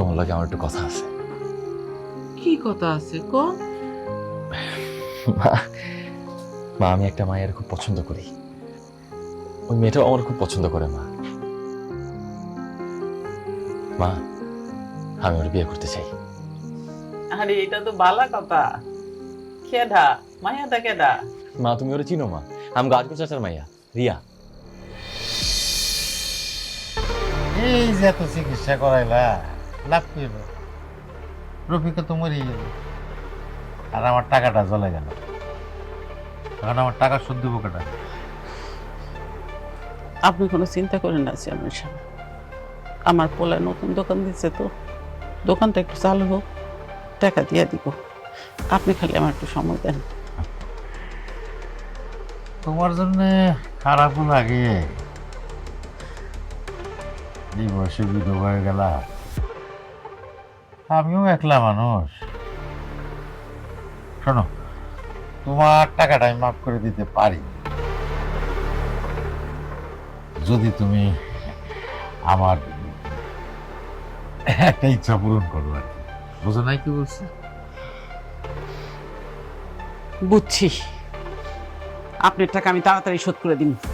তোমার লগে আমার একটু কথা আছে। কি কথা আছে ক? মা মা আমি একটা মায়ের খুব পছন্দ করি, ওই মেয়েটাও আমার খুব পছন্দ করে। মা মা আমি ওর বিয়ে করতে চাই। আরে এটা তো বালা কথা। কেডা মায়াটা কেডা? মা তুমি ওরা চিনো? মা আমি গাজপুর চাচার মাইয়া রিয়া। এই যে এত চিকিৎসা করাইলা, লাভ কি হলো? রফিকে তো মরিয়ে গেল, আর আমার টাকাটা চলে গেল। এখন আমার টাকা শোধ দেবো কেটা? আপনি কোনো চিন্তা করেন না চেয়ারম্যান সাহেব, আমার পোলায় নতুন দোকান দিচ্ছে তো, দোকানটা একটু চালু হোক, টাকা দিয়ে দিব। আপনি খালি আমার একটু সময় দেন। তোমার জন্য খারাপও লাগে, এই বয়সে বিধবা হয়ে গেলা। আমিও একলা মানুষ। শোনো, তোমার টাকাটা আমি মাফ করে দিতে পারি যদি তুমি আমার একটা ইচ্ছা পূরণ করো আর কি। বুঝো নাই কি বলছি? বুঝছি, আপনার টাকা আমি তাড়াতাড়ি শোধ করে দিন।